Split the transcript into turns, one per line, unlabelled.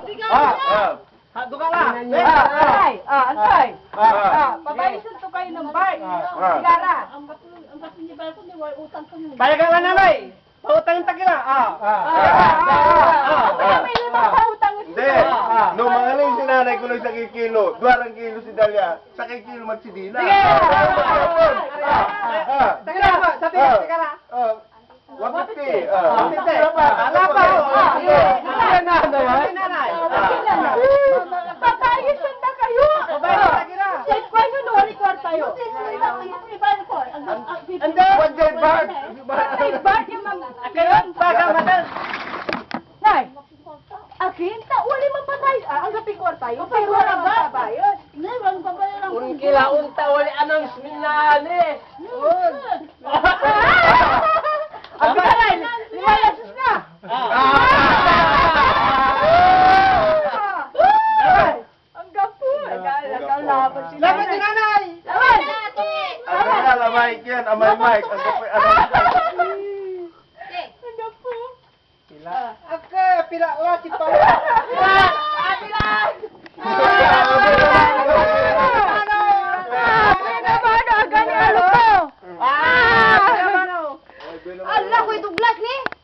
Duga ka.
Antay. Antay. Pabayisan to kayo ng bike. Sigara.
Payagan ka nanay. Pautang yung takila.
May limang pautang.
Hindi. No, mangaling si nanay ko lang sa kilo. 2 kilo si Dalia. Sa kilo man si Dina.
Takila mo. Sa tikara.
150.
Ala pa. Nanay.
Pabayisan na kayo.
Pabayisan takila.
Check ko yun, wali kwarta yun.
Ando.
One day back.
Bart yung mga...
Kayon, baga madal.
Nay, akin, wali mapatay. Ang gapi kwarta yun. Pero wala magbabayad.
Kung kilaon ta, wali announcement na ani.
Ang garay, limayasos na. Ang gapo. Nagkalaban sila.
Laban si nanay.
Laban!
Ang nalala, Mike yan. Amay Mike. Ang kapoy,
Ang gapo.
Pila. Aka, pila. Wala si Paula.
Pila!